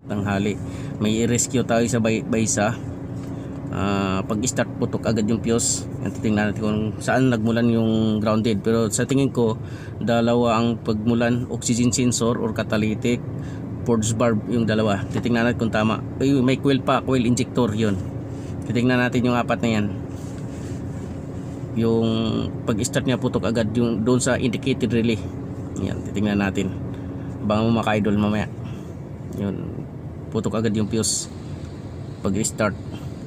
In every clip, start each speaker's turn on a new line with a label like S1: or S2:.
S1: Tanghali may i-rescue tayo sa baysa. Pag start putok agad yung fuse. Titingnan natin kung saan nagmulan yung grounded, pero sa tingin ko dalawa ang pagmulan, oxygen sensor or catalytic forge valve yung dalawa. Titingnan natin kung tama. May coil pa, coil injector yun. Titingnan natin yung apat na yan. Yung pag start niya putok agad yung doon sa indicated relay. Yan, titingnan natin. Baka mo maka-idol mamaya. Yun, putok agad yung fuse pag start.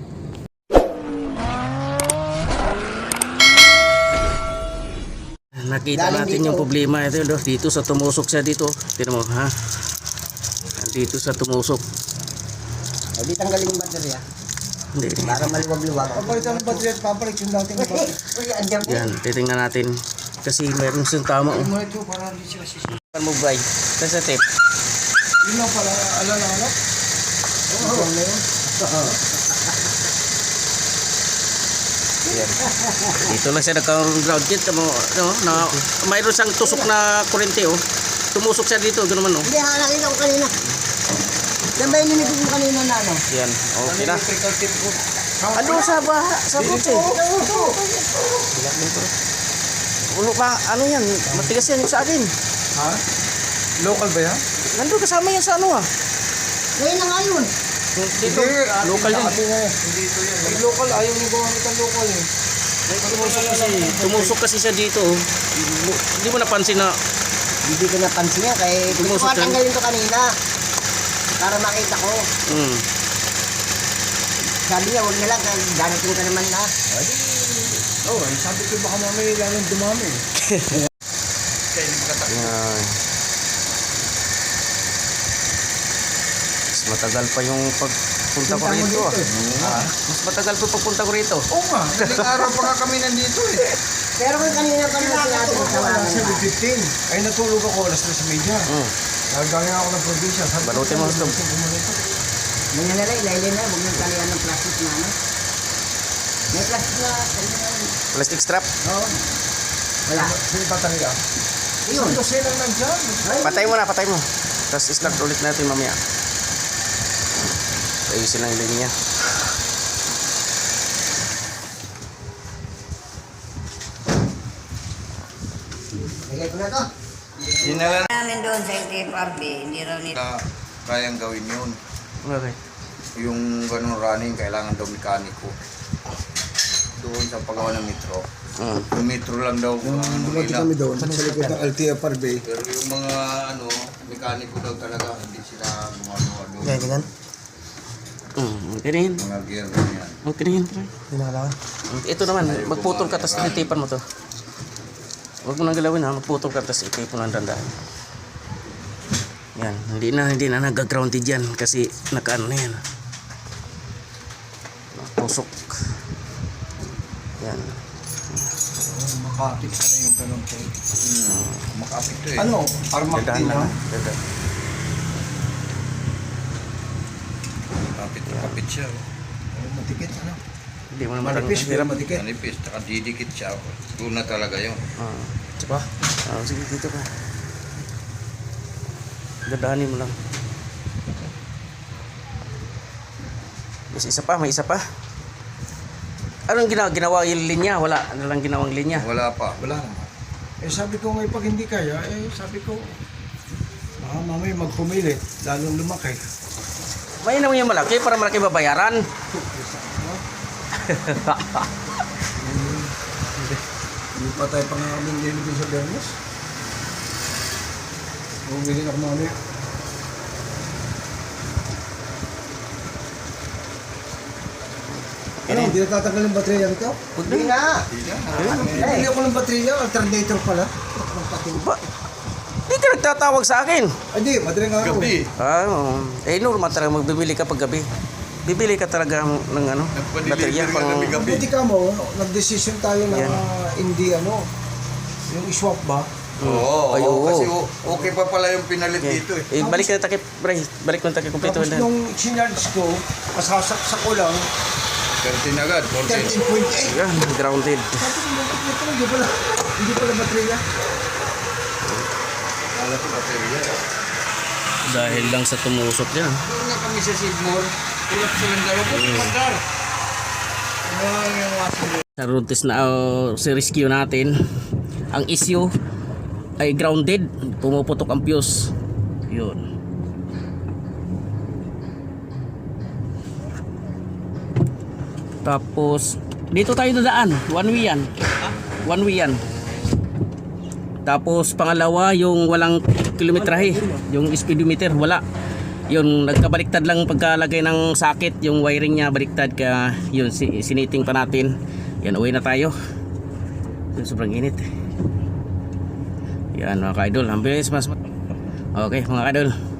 S1: Nakita natin yung problema ito dito sa tumusok siya dito. Tingnan mo ha. Dito sa tumusok.
S2: Hindi tanggalin yung baterya.
S1: Hindi.
S2: Para maliwag-liwag.
S3: Pagpalitan ng baterya at papalit yung dating baterya.
S1: Yan, titingnan natin. Kasi meron siyang tama.
S3: Mo ito para hindi sila sisi.
S1: Mo bright. Sa tape.
S3: Yun lang pala, alala-alala. Oo, na yun.
S1: Yan. Dito lang siya nagka-ground kit mo, no, na mayroon siyang tusok na kuryente oh. Tumusok siya dito, ganoon man oh.
S2: Hindi, nakita ko kanina. Yan ba yung limit mo kanina na ano?
S1: Yan, okay na.
S3: Electrical tip ko.
S1: Ano sa baha, sa kotse? Ulo pa, ano yan? Matigas yan sa akin.
S3: Ha? Local ba yan?
S1: Nandun kasama yan sa ano ah.
S2: Ngayon na nga yun.
S1: Dito, local yan.
S3: Hindi ito yan. May local, ayaw niyo gumamit ng local eh.
S1: Tumusok kasi siya dito oh. Hindi mo napansin na
S2: Hindi ko napansin yan. Kaya gusto ko tanggalin to kanina. Para makita ko. Sabi niya, huwag na lang. Darating ka naman na.
S3: Oo, sabi ko baka mamaya lalong dumami. Kaya hindi makatak.
S1: yan. Mas matagal pa yung pagpunta ko rito ah. Mas matagal pa pagpunta ko rito.
S3: Oo nga, daling araw pa nga kami nandito eh.
S2: Pero kung kanina pa naman sinabi ko sa
S3: Alas
S2: mga
S3: 7:15. Ay natulog ako alas 3:30. Naggaling ako ng probinsya.
S1: Balutin mo ito.
S2: Ganyan na lang, ilaylin na. Huwag nang talian ng plastic na ano. May plastic na.
S1: Plastic strap.
S2: Oo. Wala.
S3: Sino tatangga?
S2: Yun.
S3: Ito sila nandyan.
S1: Patay mo na, patay mo. Tapos start ulit natin mamaya. Ayusin lang yung linya.
S2: Lagay ko na to.
S3: Dinala
S2: Namin doon sa TFRB, hindi raw nito.
S4: na kayang gawin yun.
S1: Okay.
S4: Yung ganun running, kailangan daw mekaniko. Doon sa paggawa ng metro. Yung metro lang daw ang
S3: Dumating
S4: nila.
S3: kami doon sa likod ng LTFRB.
S4: Pero yung mga mekaniko daw talaga, hindi sila gumagawa doon.
S2: ganyan.
S1: Okay na yun.
S4: Mga gear ganyan.
S1: Okay na yun, pre.
S3: Dinala.
S1: Ito naman, magputol ka, tapos titipan mo to. Huwag mo nang galawin ha, magputol ka, tapos itipon ng dandaan. Yan, hindi na nag-grounded yan kasi naka-ano na yan. Pusok. Yan.
S3: Makapit ka na yung ganun po.
S4: Makapit to eh.
S3: Ano? Armak
S1: Dadaan
S3: din
S1: lang.
S3: ha?
S1: Dadaan.
S4: Kapit siya.
S3: Matikit ano?
S1: Hindi mo naman
S3: Manipis pero matikit.
S4: Manipis, tsaka didikit siya. Doon na talaga yun.
S1: Diba? Sige, dito ka. Dadaanin mo lang. Yes, isa pa, may isa pa. Anong ginawa yung linya? Wala na lang ginawang linya.
S4: Wala pa.
S3: Wala naman. Eh sabi ko ngayon pag hindi kaya, eh sabi ko, baka mamaya magpumilit, lalong lumaki.
S1: May naman yung malaki para malaki babayaran.
S3: Hindi pa tayo pang aming nilibin sa Bernes. Bumili ako mamaya. Ano, hindi natatanggal yung baterya nito?
S2: Hindi na.
S3: Bumili ako ng baterya, alternator pala.
S1: Ba? Hindi ka nagtatawag sa akin.
S3: Hindi, madaling araw.
S4: Gabi.
S1: Normal talaga magbibili ka pag gabi. Bibili ka talaga ng ano, baterya pang...
S4: gabi-gabi.
S3: Buti ka mo, nag-decision tayo na
S1: Yan.
S3: hindi ano, yung swap ba?
S4: Oo,
S1: Ay, oo.
S4: kasi okay pa pala yung pinalit
S1: Yan.
S4: dito eh.
S1: Balik na takip, Bray. Balik mo takip kumpleto.
S3: Tapos nung sinarge ko, masasaksak ko lang,
S4: 13 agad, 14.
S3: 13.8.
S1: Yan, grounded.
S3: Sabi ko, hindi pala baterya.
S4: Wala ko baterya.
S1: Dahil lang sa tumusok yan.
S2: Hindi na
S4: kami sa Sidmore, tulad sa Langgaro po, mandar. Ano lang yung water.
S1: Sa road test na si rescue natin, ang issue ay grounded, pumuputok ang fuse. Yun. Tapos dito tayo dadaan, one way yan. One way yan. Tapos pangalawa yung walang kilometrahe, yung speedometer wala. Yun, nagkabaliktad lang pagkalagay ng socket, yung wiring niya baliktad, kaya yun siniting pa natin. Yan, uwi na tayo. Yun, sobrang init. Yan mga ka-idol, ang bilis mas. Okay mga ka-idol.